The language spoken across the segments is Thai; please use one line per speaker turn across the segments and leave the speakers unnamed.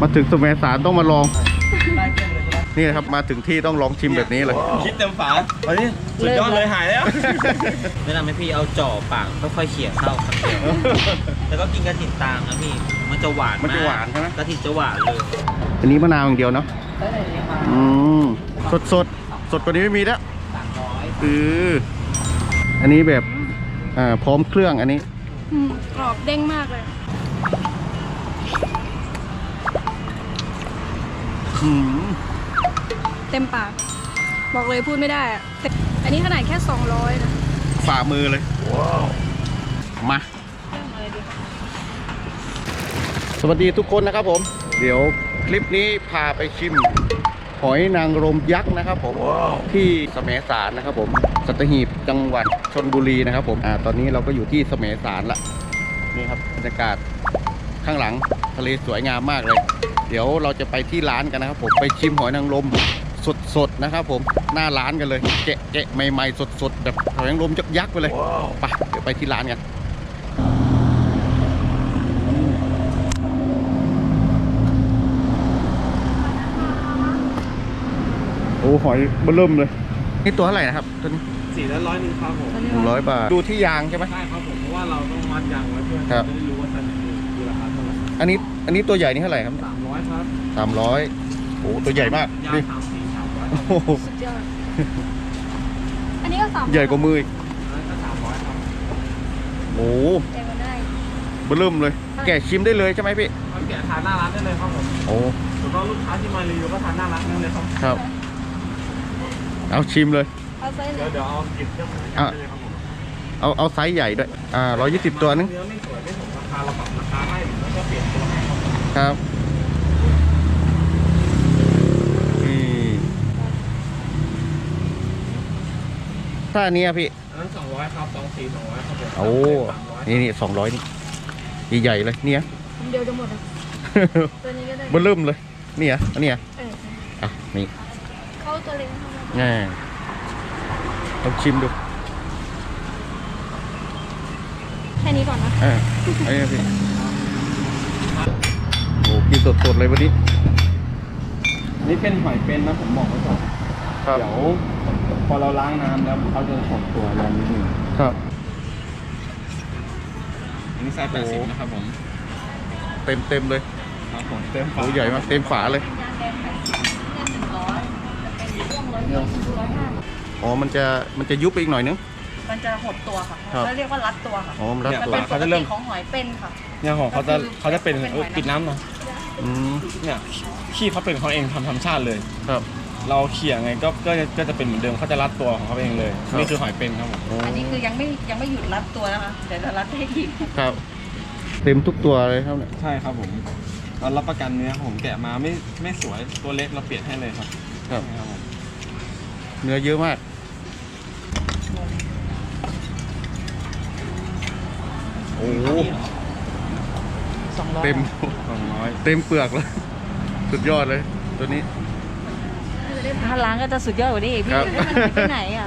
มาถึงสมัยสารต้องมาลองนี่นะครับมาถึงที่ต้องลองชิมแบบนี้เลย
คิดเต็มฝาเฮ้ยสุดยอดเลยหายแล้ว
แนะนำให้พี่เอาจ่อปากค่อยๆเขี่ยเข้าคำเดียวแล้วก็กินกระถิ่นตางนะพี่มันจะหวานมาก
มันจะหวานใช่ไหม
กระถิ่นจะหวานเลย
อันนี้มะนาวอย่างเดียวเนาะสดกว่านี้ไม่มีแล้วอันนี้แบบพร้อมเครื่องอันนี้
กรอบเด้งมากเลยเต็มปากบอกเลยพูดไม่ได้อะอันนี้ขนาดแค่200นะ
ฝ่ามือเลยมาสวัสดีทุกคนนะครับผมเดี๋ยวคลิปนี้พาไปชิมหอยนางรมยักษ์นะครับผมที่แสมสารนะครับผมสัตหีบจังหวัดชลบุรีนะครับผมตอนนี้เราก็อยู่ที่แสมสารละนี่ครับบรรยากาศข้างหลังทะเลสวยงามมากเลยเดี๋ยวเราจะไปที่ร้านกันนะครับผมไปชิมหอยนางรมสดๆนะครับผมหน้าร้านกันเลยแกะใหม่ๆสดๆแบบหอยนางรมยักษ์ไปเลยไปเดี๋ยวไปที่ร้านกันโอ้หอยเบิ่มเลยนี่ตัวเท่าไหร่นะครับตัวนี้
400ครับผม
100 บาทดูที่ยางใช่ไหม
ใช่ครับผมเพราะว่าเราต้องมัดยางไว้เพื่อจะได้รู้ว่าสัตว์มีราคาเท่าไหร่
อันนี้ตัวใหญ่นี่เท่าไหร่ครับ
300ครับ
300โอ้ตัวใหญ่มาก
ยาง
นี่
300
สุดยอดอันนี้ก็300
ใหญ่กว่ามืออีก
ก็300ครับ
โอ้
ใหญ่กว่าได้
เบิ่มเลยแกะชิมได้เลยใช่ไหมพี่
แกะทานหน้าร้านได้เลยครับผม
โอ้
แล้วก็ลูกค้าที่มารีวิวก็ทานหน้าร้านได้เลย
ครับเอาชิมเลย
เดี๋ยวเอาหยิบเจ้าของเลยครับผม
เอาไซส์ใหญ่ด้วย120ตัวนึง
เนื้อไม่สวยไม่สมราคาเราปรับราคาให้แล้วก็เปลี่ยนตัวให้
ครับถ้าอันนี้พี่
นั้น200ครับ200ครับผม
โอ้นี่200นี่ใหญ่เลยเนี่ย
เดียวจะหมดตัวนี้ก็ได้
เบิ่มเลยเนี่ยอันนี้นี่
เข้าตัวเล็ก
ลองชิมดู
แค่นี้ก่อนนะ
ไอ้พี่โอ้กินสดๆเลยวันนี้
นี่เป็นหอยเป็นนะผมบอกไว้ก่อนเดี๋ยวพอเราล้างน้ำแล้วเขาจะฉกตัวแรงนิดนึง
ครับ
อันนี้ไซส์80นะครับผม
เต็มเลย
ครับผมเต็มฝา
ใหญ่มากเต็มฝาเลยอ๋อมันจะยุบไปอีกหน่อยนึง
มันจะหดตัวค่ะเขาเรียกว่ารัดตัวค่ะ
อ๋อรัดตัว
เขาจะเริ่มของหอยเป็นค่ะ
เนี่ยของเขาจะเป็นปิดน้ำเนาะเนี่ยขี้เขาเป็นเขาเองทำธรรมชาติเลย
ครับ
เราเขี่ยไงก็จะเป็นเหมือนเดิมเขาจะรัดตัวของเขาเองเลยนี่คือหอยเป็นครับผม
อันนี้คือยังไม่หยุดรัดตัวนะคะเดี๋ยวจะรัดให้อีก
ครับเต็มทุกตัวเลยครับเนี่ย
ใช่ครับผมเรารับประกันเนื้อผมแกะมาไม่สวยตัวเล็กเราเปลี่ยนให้เลยครับ
ครับเนื้อเยอะมากโอ้
200
เต็ม200เต็มเปลือกเลยสุดยอดเลยตัวนี้
ถ้าล้างก็จะสุดยอดกว่านี้อีกพี่ที่ไหนอ่ะ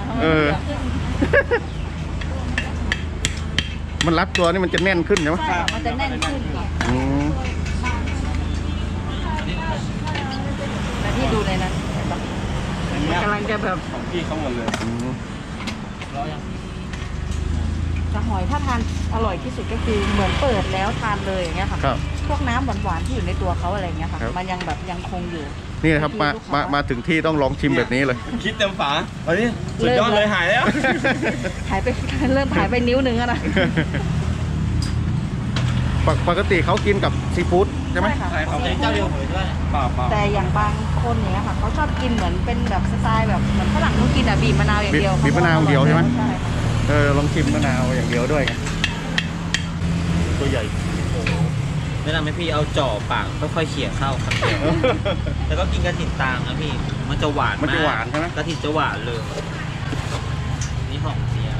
มันรัดตัวนี่มันจะแน่นขึ้นใช่ไหม
ใช่มันจะแน่นขึ้นค่ะแต่ที่ดูเลยนะกำลังจะแบบ
ของพี่เขาหมดเลย
จะหอยถ้าทานอร่อยที่สุดก็คือเหมือนเปิดแล้วทานเลยอย่างเงี้ยค่ะพวกน้ำหวานๆที่อยู่ในตัวเขาอะไรเงี้ยค่ะมันยังแบบยังคงอยู่
นี่นะครับมาถึงที่ต้องลองชิมแบบนี้เลย
คิดเต็มฝาเฮ้ยสุดยอดเลยหายแล้ว
หายไปเริ่มหายไปนิ้วนึงแล้วนะ
ปกติเขากินกับซีฟู้ดใช่ไหม
ใช่ครับเจ้าเดียวเลยด้วย
แต่อย่างบางคนเนี้ยค่ะเขาชอบกินเหมือนเป็นแบบสไตล์แบบเหมือนฝรั่งเขากินบีบมะนาวอย่างเดียว
บีบมะนาวอย่างเดียวใช่ไหมลองชิมมะนาวอย่างเดียวด้วยตัวใหญ่
แนะนำให้พี่เอาจ่อปากค่อยๆเขี่ยเข้าคำเดียวแล้วก็กินกระถิ่นตางนะพี่มันจะหวานมาก
ใช่ไหม
กระถิ่นจะหวานเลยนี่หอมเสีย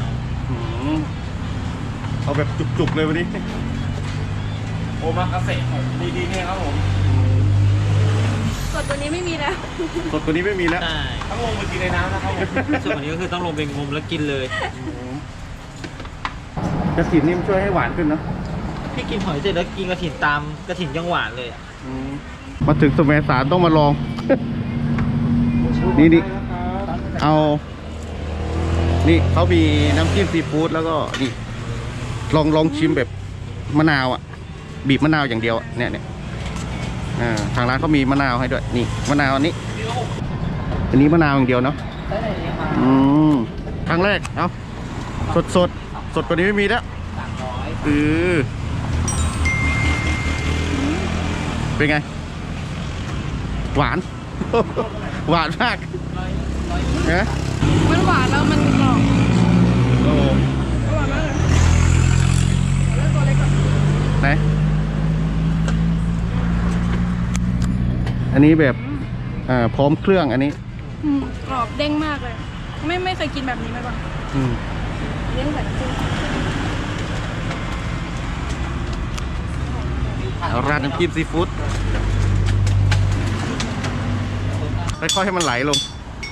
เอาแบบจุกๆเลยวันนี้
โอมากาเสะดีๆเนี่ยครับผม
สดตัวนี้ไม่มีแล้ว
ใช่
ต้องลงไปกินในน้ำนะครับ
ส่วนวันนี้ก็คือต้องลงไปงมแล้วกินเลย
กระถิ่นนี่มันช่วยให้หวานขึ้นนะ
พี่กินหอยเสร็จแล้วกินกระถิ่นตามกระถิ่นยังหวานเลย
มาถึงแสมสารต้องมาลอง นี่เอา นี่เขามีน้ำจิ้มซีฟู้ดแล้วก็นี่ลองชิมแบบมะนาวอ่ะ บีบมะนาวอย่างเดียวเนี่ยทางร้านเขามีมะนาวให้ด้วยนี่มะนาวอันนี้มะนาวอย่างเดียวเนาะครั้งแรกเอาสดกว่านี้ไม่มีแล้วเป็นไงหวาน หวานมากนะ
มันหวานแล้วมันกรอบ
โอ้
อร่อยมากเลยแล้วตัวเล็กก่อน
ไหนอันนี้แบบพร้อมเครื่องอันนี้
กรอบเด้งมากเลย ไม่เคยกินแบบนี้มาก่อนเลี้ยงแบบนี้
ราดน้ำจิ้มซีฟู้ดค่อยๆให้มันไหลลง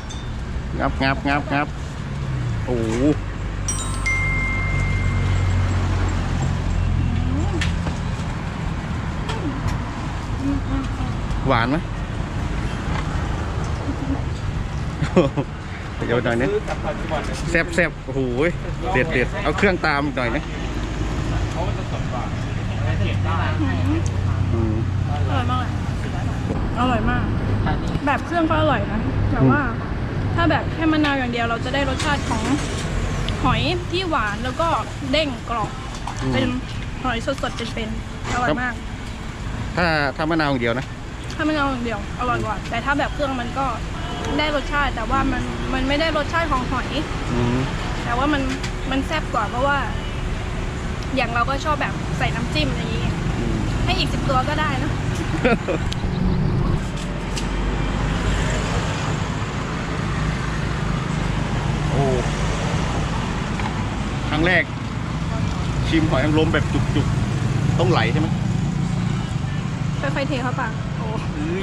งับโอ้โหหวานไหม เดี๋ยวหน่อยนึงแซ่บโอ้โหเด็ดเอาเครื่องตามหน่อยนะ
อร่อยมากเลยอร่อยมาก แบบเครื่องก็อร่อยนะแต่ว่าถ้าแบบแค่มะนาวอย่างเดียวเราจะได้รสชาติของหอยที่หวานแล้วก็เด้งกรอบเป็นหอยสดๆเป็นๆอร่อยมาก
ถ้ามะนาวอย่างเดียวนะ
ถ้ามะนาวอย่างเดียวอร่อยกว่าแต่ถ้าแบบเครื่องมันก็ได้รสชาติแต่ว่ามันไม่ได้รสชาติของหอยแต่ว่ามันแซ่บกว่าเพราะว่า อย่างเราก็ชอบแบบใส่น้ำจิ้มอะไรอย่างเงี้ยให้อีก10 ตัวก็ได้นะ
โอ้ครั้งแรกชิมหอยนางรมแบบจุกๆต้องไหลใช่ไหม
ค่อยๆเทเข้าปากโอ้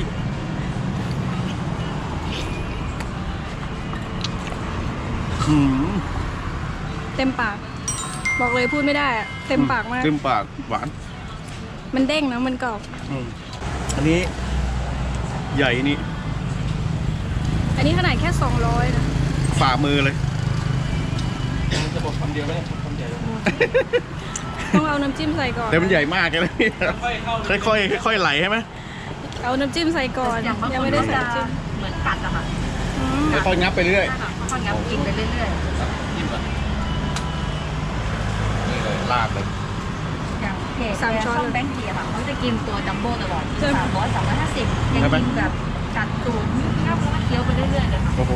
เต็มปากบอกเลยพูดไม่ได้อะเต็มปากมาก
เต็มปากหวาน
มันเด้งนะมันกรอบ
อันนี้ใหญ่นี่
อันนี้ขนาดแค่200นะ
ฝ่ามือเลย
จะบอกคำเดียวไหมคำเดียว
ต้องเอาน้ำจิ้มใส่ก่อน
แต่มันใหญ่มากเลยนะค่อยๆไหลใช่ไหม
เอาน้ำจิ้มใส่ก่อน
อย่างบาง
ยั
ค
ง
น
ไม่ได้
ก็
ใส่
จะ
น้ำจิ้ม
เหมือนกัดอะค่ะ
ค่อยๆงับไปเรื่อย
ค่อยๆงับกินไปเรื่อย
นี่เลยลาดเลย
ๆอย่างเพจช่องแบงค์เทียค่ะเขาจะกินตัวจัมโบ้ตลอด300 350ยังกินแบบกัดตูดงับแล้วก็เคี้ยวไปเรื่อยๆเลยค่ะ
โอ้โห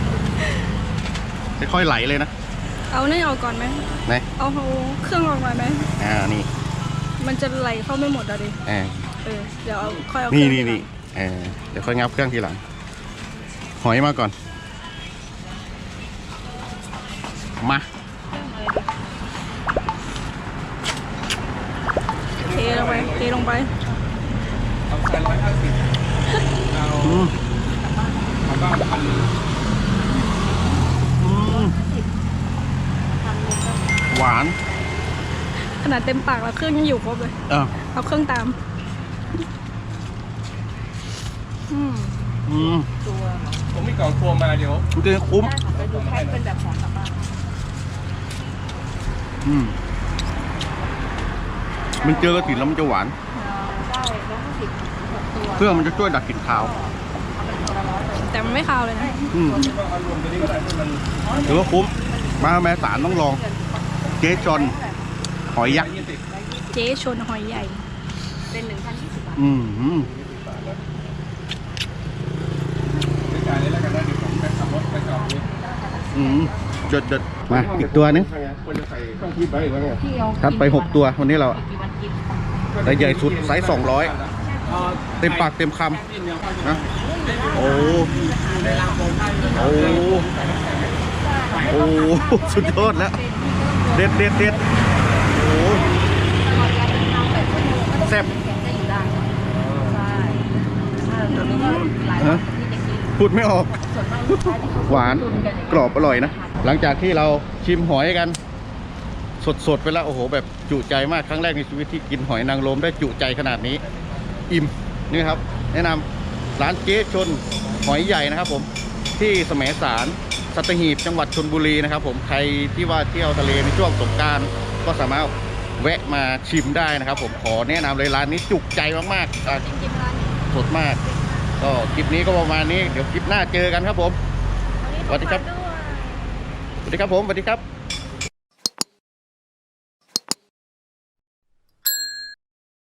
ค่อยๆไหลเลยนะ
เอานี่ออกก่อนไหม
ไหน
เอาเครื่องออกมาไหม
นี่
มันจะไหลเข้าไม่หมดอะดิ เดี๋ยวเอาค่อยเอาเค
นี่
รื่อง
นี่เดี๋ยวค่อยงับเครื่องทีหลัง หอยมาก่อน มา
เทลงไป
เอาใส่150เอาบ้างพัน
หวาน
ขนาดเต็มปากแล้วเครื่องยังอยู่ครบเลย เอาเครื่องตาม
ตัว
ผมมีกล่องตัวมาเดี๋ยว
มันจะคุ้ม
ได้ค่ะไปดูแพ็คเป็นแบบของกลับบ้าน
มันเจอกระถิ่นแล้วมันจะหวาน
ได้150 6 ตัว
เครื่องมันจะช่วยดักกลิ่นคาว
เอาเป็นตัวละ100เลย
แต่มันไม่คาวเลยนะ
ก็เอารวมตัวนี้ก็ได้ให้มัน
ถือว่าคุ้ม มาแม่สารต้องลอง เจ๊จอนหอยยักษ์
เจ๊ชนหอยใหญ่
เป็น 1,020 บาท
จ่ายเลยแล้วกันนะเดี๋ยวผมไปขับรถไปจอดนี่
จดมาอีกตัวนึง
ควรจะใส่เครื่องคีบไว้แล้วไง
พี่เอา
ทัดไป 6 ตัววันนี้เรา
กี่วันกิน
แต่ใหญ่สุดไซส์200 เต็มปากเต็มคำนะโอ้สุดยอดแล้ว เด็ดโอ้แซ่บ
จะอยู่ได้ใช่ตัวนี้ก็หลายวันที่จะกิน
พูดไม่ออก
ส่วนมากลูกค้าที่เขา
หวานกรอบอร่อยนะ หลังจากที่เราชิมหอยกัน สดๆไปแล้วโอ้โหแบบจุใจมากครั้งแรกในชีวิตที่กินหอยนางรมได้จุใจขนาดนี้ อิ่มนี่ครับแนะนำร้านเจ๊ชนหอยใหญ่นะครับผมที่แสมสารสัตหีบจังหวัดชลบุรีนะครับผมใครที่ว่าเที่ยวทะเลในช่วงสงกรานต์ก็สามารถแวะมาชิมได้นะครับผมขอแนะนำเลยร้านนี้จุกใจมากๆ
จริงๆร้านนี้
สดมากก็คลิปนี้ก็ประมาณนี้เดี๋ยวคลิปหน้าเจอกันครับผม
วันนี้
สวัสดีครับ
ขอด้วย
สวัสดีครับผมสวัสดีครับ